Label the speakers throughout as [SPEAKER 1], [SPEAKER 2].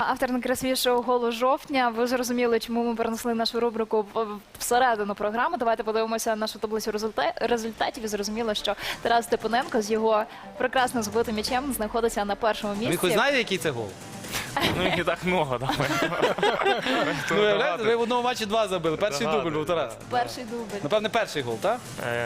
[SPEAKER 1] Автор найкрасивішого голу жовтня. Ви зрозуміли, чому ми перенесли нашу рубрику всередину програми. Давайте подивимося нашу таблицю результатів і зрозуміло, що Тарас Степаненко з його прекрасно збитим м'ячем знаходиться на першому місці.
[SPEAKER 2] Ви хоч знаєте, який це гол?
[SPEAKER 3] Ну, их не так много, да.
[SPEAKER 2] Ви в одному матчі 2 забили. Перший дубль був, Тарас.
[SPEAKER 1] Перший дубль.
[SPEAKER 2] Напевне, перший гол, так?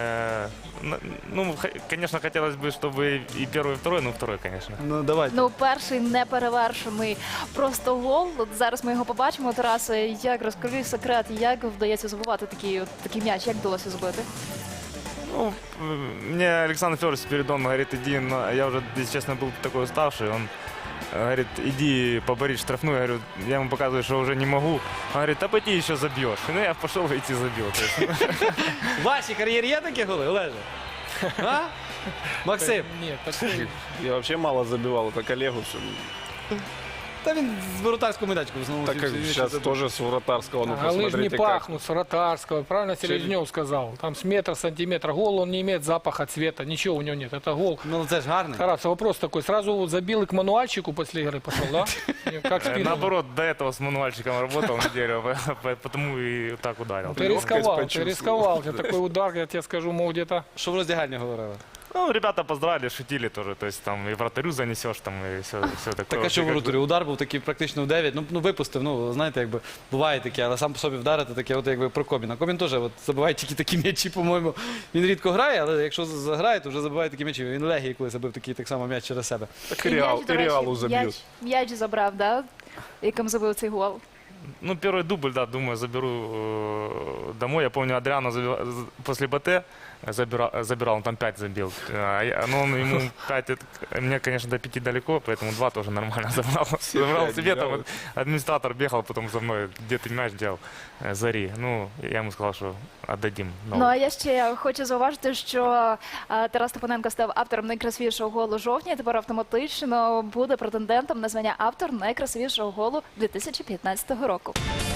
[SPEAKER 3] Ну, конечно, хотелось бы, чтобы и первый, и второй, но второй, конечно.
[SPEAKER 2] Ну, давайте.
[SPEAKER 1] Ну, перший неперевершений просто гол. От зараз ми його побачимо. Тарасе, як розкажи секрет, як вдається забивати такий м'яч, як вдалося забити?
[SPEAKER 3] Ну, мне Александр Федорович Спиридон говорит, иди, я уже, если честно, был такой уставший, он говорит, иди поборись штрафную, я говорю, я ему показываю, что уже не могу. Он говорит, а пойди еще забьешь. Ну, я пошел и идти забил.
[SPEAKER 2] В вашій кар'єрі є такі голи, Олеже? А? Максим?
[SPEAKER 4] Нет, такой.
[SPEAKER 5] Я вообще мало забивал, это коллегу все.
[SPEAKER 2] Та він з воротарського майданчика в основному.
[SPEAKER 5] Так как сейчас тоже с вратарского, ну
[SPEAKER 4] Голы же не
[SPEAKER 5] посмотрите,
[SPEAKER 4] пахнут с вратарского. Правильно Селезнев сказал. Там с метра, сантиметра. Гол, он не имеет запаха цвета. Ничего у него нет. Это гол.
[SPEAKER 2] Ну, це ж гарний.
[SPEAKER 4] Тарас, вопрос такой. Сразу вот забил и к мануальчику после игры пошел, да? Как спину.
[SPEAKER 3] Наоборот, до этого с мануальчиком работал неделю, потому и так ударил.
[SPEAKER 4] Ты рисковал, ты
[SPEAKER 5] почувствовал.
[SPEAKER 4] рисковал. У тебя такой удар, я тебе скажу, мог где-то...
[SPEAKER 2] Що в роздягальні говорили?
[SPEAKER 3] Ну, ребята поздравили, шутили тоже, то есть там и вратарю занесешь, там и все такое.
[SPEAKER 2] Так а що в воротарі? Удар був такий практично в 9. Ну, випустив, ну, знаєте, якби буває таке, але сам по собі вдарити таке, от якби про Коміна. Комін теж от, забиває тільки такі м'ячі, по-моєму. Він рідко грає, але якщо заграє, то вже забиває такі м'ячі. Він Легії коли забив такий так само м'яч через себе.
[SPEAKER 5] Так
[SPEAKER 1] І
[SPEAKER 5] и
[SPEAKER 1] м'яч, до речі,
[SPEAKER 5] Реалу забьют.
[SPEAKER 1] М'яч забрав, да? Яким забив цей гол.
[SPEAKER 3] Ну, первый дубль, да, думаю, заберу домой. Я помню, Адриано после БТ забирал, он там 5 забил. Но он ему 5, мне, конечно, до 5 далеко, поэтому 2 тоже нормально забрал. Забрал себе, там администратор бегал потом за мной, где ты мяч делал, Зари. Ну, я ему сказал, что отдадим.
[SPEAKER 1] Ну, а я ще хочу зауважити, що Тарас Степаненко став автором найкрасивішого голу жовтня, тепер автоматично буде претендентом на звання автор найкрасивішого голу 2015 року.